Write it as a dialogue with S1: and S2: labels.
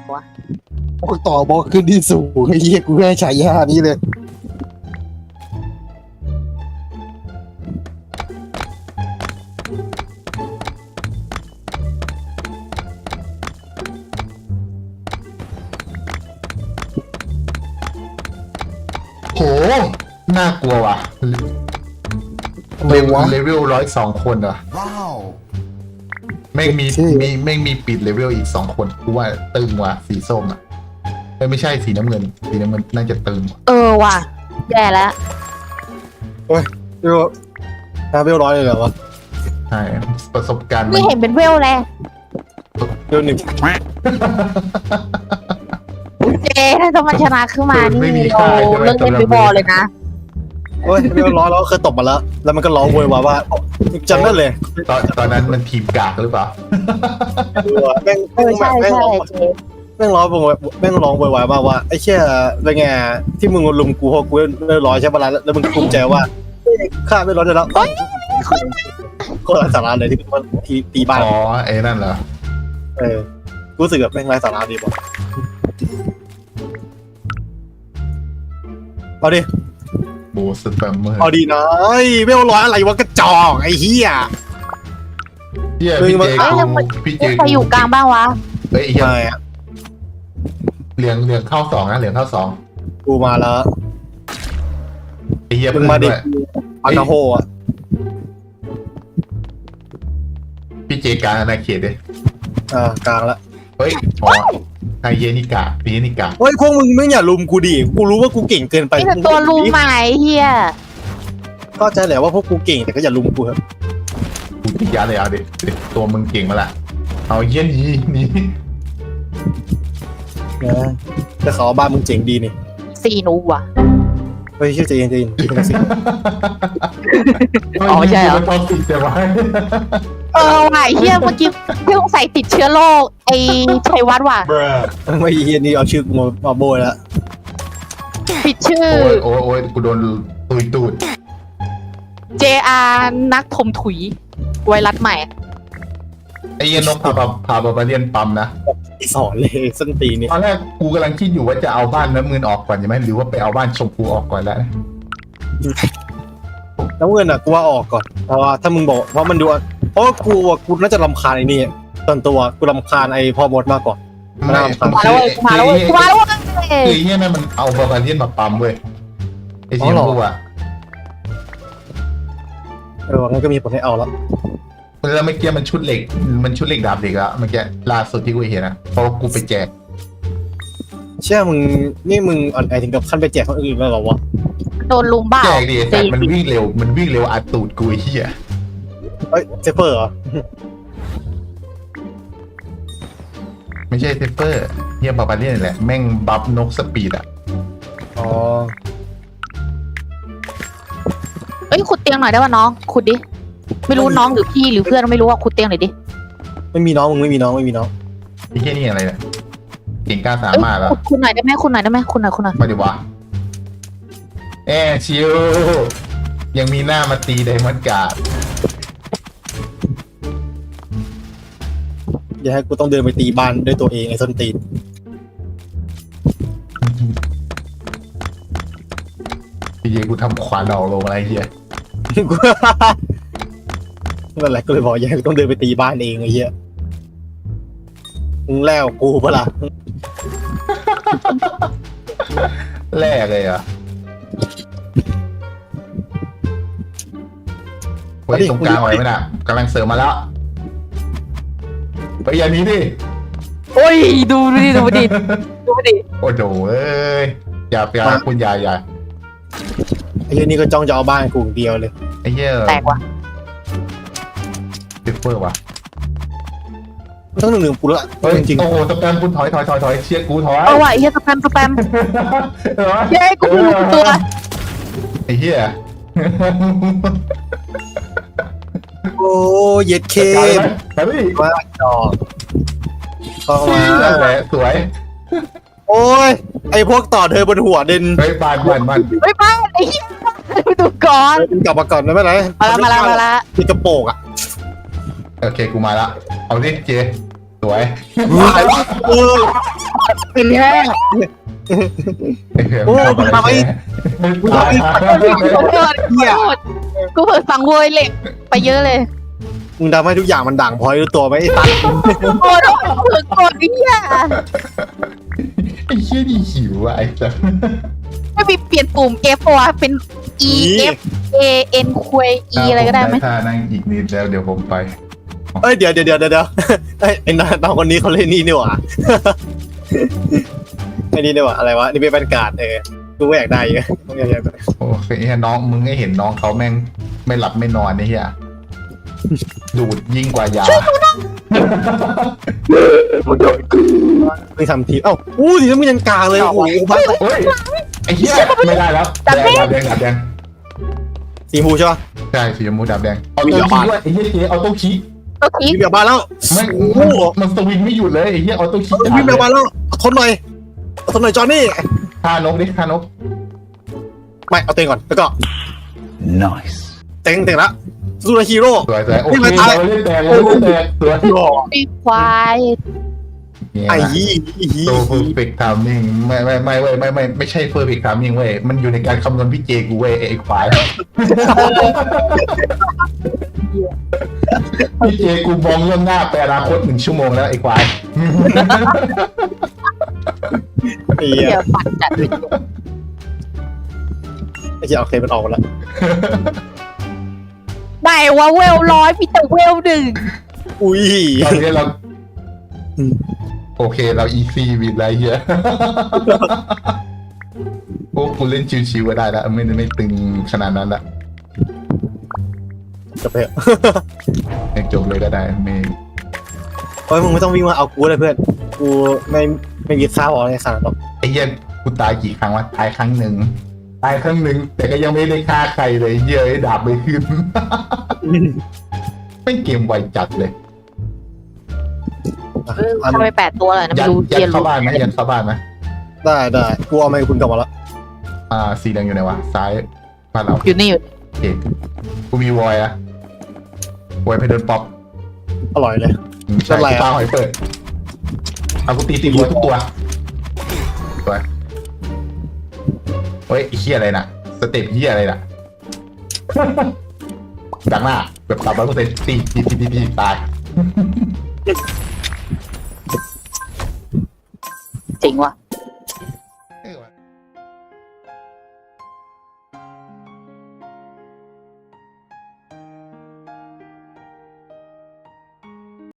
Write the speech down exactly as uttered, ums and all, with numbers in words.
S1: วะ
S2: พวกต่อบล็อกขึ้นที่สูงไอ้เหี้ยกูแค่ฉายานี้เลย
S3: โหน่ากลัวว่ะ
S2: ทำไม
S3: เลเว
S2: วะ
S3: ลเลเวลร้อยสองคนเหรอแม่งมี
S2: ใช่
S3: มีแม่งมีปิดเลเวลอีกสองคนกูว่าตึงว่ะสีส้มอ่ะเอ้ยไม่ใช่สีน้ำเงินสีน้ำเงินน่าจะตึง
S1: เออว่ะแย่แล้ว
S2: เฮ้ยเรียกว่าน้ำเรียบร้อยเลยเหรอวะ
S3: ใช่ประสบการณ์มั
S1: ไม่
S3: น
S1: เห็นเป็นเวลเลย
S2: เรียบหนึ่ง
S1: เจถ้าจะมันชนะขึ้นมานี่เราเลิกเล่นไปบอลเลยนะ
S2: เฮ้ยเรียบร้อยแล้วเคยตบมาแล้ว แล้วมันก็ร้องโวยวายว่าจำได้เลย
S3: ตอนตอนนั้นมันทีมกากหรือเปล่า
S2: แม่ง
S1: เออใช่
S2: แม่ง
S1: ใช่
S2: ร้อง
S1: เจ
S2: แม่งร้องแม่งร้องโวยวายมากว่าไอ้เชี่ยเป็นไงที่มึงลุมกูเพราะกูเรียบร้อยใช่ปะล่ะแล้วมึงภูมิใจว่าข้าไม่ร้อนได้แล้วโคตรไร้สาระเลยที่มันตีตีบ้าน
S3: อ๋อไอ้นั่นเหรอ
S2: เออรู้สึกแบบแม่งไร้สาระดีป่ะเอาดิ
S3: โบสแปมเมอร์
S2: เอาดีนะไอ้ไม่เอาร้อยอะไรวะกระจอกไอ้เหี้ย
S3: เฮีย
S2: มึง
S3: พี่
S2: มา
S3: เจ
S1: เอ้ย
S3: กู
S1: แล้วมัน
S3: พี่เจ
S1: ใครอยู่กลางบ้างวะ
S3: เฮ้ยเฮีย
S2: ไม่อะ
S3: เหลืองเหลืองเข้าสองนะเหลืองเข้าสอง
S2: กูมาแล้ว
S3: ไอ้เฮีย
S2: มึ
S3: พึ่
S2: ง
S3: ง
S2: มาดิ
S3: ด้วย
S2: อันนาโฮอ่ะ
S3: พี่เจกลางอาณาเขตดิ
S2: อ่ากลางละ
S3: เฮ้ยอ๋อไฮเยนิกาพีเยนิกา
S2: เฮ้ยพวกมึงไม่อย่าลุมกูดิกูรู้ว่ากูเก่งเกินไป
S1: นี่แต่ตัวลุมใหม่เฮีย
S2: เข้าใจแหละว่าพวกกูเก่งแต่ก็อย่าลุมกูครับ
S3: กูติดยาเลยเอาดิดิตัวมึงเก่งมาละเอาเฮียหนีหนี
S2: นะแต่เขาบ้านมึงเจ๋งดีนี่
S1: สี่หนูว่ะ
S2: เฮ้ยเชื่อใจเย็นใจเย็นเป็นสิ
S1: อ๋อใช่เหรอ
S3: มันทอสิแต่ว่า
S1: เออว่ะเฮียเมื่อกี้เพิ่งใส่ติดเชื้อโรคไอ้ชัยวัฒน์ว่ะ
S2: ไม่เฮียนี่เอาชื่อกูมามาโบยแล้ว
S1: ผิดชื่อ
S3: โอ้ยโอ้ยโอ้ยกูโดนตุยตูด
S1: เจอานักถมถุยไวรัสใหม่
S3: ไอ้เหี้ยนกพาพาพาพาไปเรียนปั๊มนะ
S2: สอนเลยส้นตีนนี่
S3: ตอนแรกกูกำลังคิดอยู่ว่าจะเอาบ้านน้ำเงินออกก่อนใช่ไหมหรือว่าไปเอาบ้านชมพูออกก่อนแล้ว
S2: น้ำเงินอ่ะกูว่าออกก่อนเพราะว่าถ้ามึงบอกเพราะมันดูเพราะว่ากูอ่ะกูน่าจะรำคาญไอ้นี่ส่วนตัวกูรำคาญไอ้พ่อมดมากกว่า
S3: ไม่
S2: มา
S1: มาแล้วเว้ยมาแล้วเว้ยมาแล้วเว้ย
S3: คือไอ้เหี้ยนั่นมันเอาบาบาเลียนมาปั๊มเว้ยไอ้เสียงกูอ่ะ
S2: เอองั้นก็มีผลให้เอาแล้ว
S3: แล้วเมื่อกี้มันชุดเหล็กมันชุดเหล็กดาบเหล็กอะเมื่อกี้ล่าสุดที่กูเห็นนะเพราะกูไปแจก
S2: เชื่อมึงนี่มึงอ่อนแอถึงกับขั้นไปแจกคนอื่นแล้วเหรอวะ
S1: โดนลุมบ้า
S3: แจกดิแต่มันวิ่งเร็วมันวิ่งเร็วอัดตูดกูไอ้เหี้ย
S2: เฮ้ยเซฟเฟอร์เหรอ
S3: ไม่ใช่เซฟเฟอร์เหี้ยบาบาเลียนแหละแม่งบัฟนกสปีดอะ
S2: อ๋อ
S1: เอ้ยขุดเตียงหน่อยได้ป่ะน้องขุดดิไม่รู้น้องหรือพี่หรือเพื่อนไม่รู้ว่าขุดเตียงหน่อยดิ
S2: ไม่มีน้องมึงไม่มีน้องไม่มีน้อง
S3: ไอ้เหี้ยนี่อะไรเนี่ยเก่งกล้าสา
S1: เอ้ย
S3: มารถแล้ว
S1: ขุดคุณหน่อยได้ไหมคุณหน่อยได้ไหมคุณหน่อยคุณหน่อย
S3: มาดิวะแอชิวยังมีหน้ามาตีไดมอนด์การ์ด
S2: อย่าให้กูต้องเดินไปตีบ้านด้วยตัวเองไอ้ส้นตีน
S3: พี่เยกูทำขวานออกลงอะไรเฮีย
S2: กูนั่นแหละก็เลยบอกอย่าให้กูต้องเดินไปตีบ้านเองไอ้เหี้ยมึงแล้วกูปะล่ะ
S3: แรกเลยเหรอ่ะเฮ้ยตรงกลางไว้ไหมน่ะกำลังเสริมมาแล้วไปอย่างนี้ดิ
S1: โอ้ยดูดิดูดิดูดิ
S3: โอ้โหเอ้ยอย่าอย่าคุณอย่าอย่า
S2: ไอ้เหี้ยนี่ก็จ้องจะเอาบ้านกูอย่างเดียวเลย
S3: ไอ้เหี้ย
S1: แตกว่ะ
S3: เซฟเฟอร์ว่ะ
S2: ต้องหนึ่งหนึ่งกูละ
S3: เฮ้ย
S2: จริง
S3: โอ้โหสแปมคุณถอยถอยถอยถอยเชียร์กูถอย
S1: เอาว่ะไอ้เฮียสแปมสแปม
S3: เออ
S1: เย้กูรู้ตัว
S3: ไอ้เหี้ย
S2: โอ้เย็ดเค
S3: ไปดิ
S2: ว่าจอกเข้ามา
S3: นั่นแหละสวย
S2: โอ้ยไอพวกต่อเธอบนหัวเด่น
S3: เฮ้ยบานบานบาน
S1: ไม่ไปไอ้เฮียดูก่อน
S2: กลับมาก่อนไม่เป็นไร
S1: มาละมาละมาละ
S2: มีกระโปรงอ่ะ
S3: โอเคกูมาละเอาดิเจสวย
S2: เออเป็นแค่
S3: ไอ้เหี้ย
S2: โอ้
S3: มึงทำอะไร
S2: มึงทำไม
S3: แค่ตาย
S1: ขอโทษขอโทษกูเปิดฟังโวยเหล็กไปเยอะเลย
S2: มึงทำให้ทุกอย่างมันด่างพร้อยรู้ตัวไหมไอ้ตัน
S1: โอ้โหเผื่อกดไอ้เหี้ย
S3: ไอ้เหี้ยนี่หิวอะไอ้สัส
S1: ไม่มีเปลี่ยนปุ่ม F วะเป็น E F A N คุย E อะไรก็ได้ไหม
S3: ถ้านั่งอีกนิดแล้วเดี๋ยวผมไป
S2: เอ้ยเดี๋ยวเดี๋ยวเดี๋ยวเดี๋ยวไอ้ไอ้น้องคนนี้เขาเล่นนี่นี่หว่าไอ้นี่นี่หว่าอะไรวะนี่เป็นบรรยากาศเออกูก็อยากได้เยอะต้องอยากได้
S3: โอเคเฮียน้องมึงให้เห็นน้องเขาแม่งไม่หลับไม่นอนไอ้เหี้ยดูดยิ่งกว่ายา
S2: ไม่ทำทีเอ้าอู้ทีนั้นมึงยังกลางเลยโอ้โหบ้า
S3: เฮ้ยไอ้เหี้ยไม่ได้แล้วแดงดาบแดงดาบแดง
S2: สีหูใช่ปะ
S3: ใช่สีชมพูดาบแดงเอาโต้คีด้วยไอ้เหี้ยเจ๊เอาโต้คี
S1: โอเค
S2: มีเบียร์บ้านแล้ว
S3: ไม่มันสวิงไม่หยุดเลยไอ้เหี้ยเอาโต้คี
S2: มีเบียร์บ้านแล้วทนหน่อยทนหน่อยจอห์นนี่
S3: ฆ่านกดิฆ่านก
S2: ไม่เอาเต็งก่อนแล้วก็
S4: Nice.
S2: เต็งเต็งละซูเปอร์ฮีโร่
S3: สวยสวยโอเคเราเล่นแดงเราเล่นแดงสวย
S1: มีควาย
S2: ไอ้ยี่ฮี
S3: ตัว perfect timing ไม่ไม่ไม่เว้ยไม่ไม่ไม่ใช่ perfect timing เว้ยมันอยู่ในการคำนวณพี่เจกูเว้ยไอ้ควายพี่เจกูมองเรื่องหน้าไปอนาคตหนึ่งชั่วโมงแล้วไอ้ควาย
S2: ไอ้
S1: เดี๋
S2: เหี้
S1: ย
S2: ยว
S1: ปัดจัด
S2: ไอ้เหี้ยโอเคมันออกมาแล้ว
S1: ไหนว่าเวลร้อยมีแต่เวลหนึ่ง
S2: อุ้ย
S3: ตอนนี้เราโอเคเรา easy วิดไรเฮียโอ้กูเล่นชิวๆก็ได้แล้วไม่ไม่ตึงขนาดนั้นละ
S2: จะไป
S3: ยังจบเลยก็ได้ไม่
S2: เฮ้ยมึงไม่ต้องวิ่งมาเอากูเลยเพื่อนกูไม่ไม่มีข้าวอะไรขนาดนั้นหรอก
S3: ไอ้เหี้ยกูตายกี่ครั้งวะตายครั้งหนึ่งตายครั้งหนึ่งแต่ก็ยังไม่ได้ฆ่าใครเลยเหี้ยไอ้ดาบไม่ขึ้น ไม่เกมไวจัดเลย
S1: เออทำไปแปดตัวเลยนะ
S3: ยั
S1: ไม่
S3: ด
S1: รู้
S3: ยั
S1: เรีย
S3: ด
S1: น
S3: เข้า
S1: รู้
S3: บ้านไหมยัดเข้าบ้านไหม
S2: ได้ได้กูเอาไมค์คุณกลับมาแล้ว
S3: อ่าสีแดงอยู่ไหนวะซ้ายบ้านเรา
S1: อยู่นี่อยู่
S3: โอเคกูมีวอยอะวอยเพดานป๊อป
S2: อร่อยเลย
S3: อืมใช่
S2: เป็นไรอะ
S3: ปลาหอยเปิดเอากูตีตีหัวทุกตัวตัวเฮ้ยไอ้เหี้ยอะไรน่ะสเต็ปเหี้ยอะไรน่ะ ดังหน้าแบบสามร้อยเปอร์เซ็นต์ตีตีตีตีตีตาย
S1: จริงว่ะ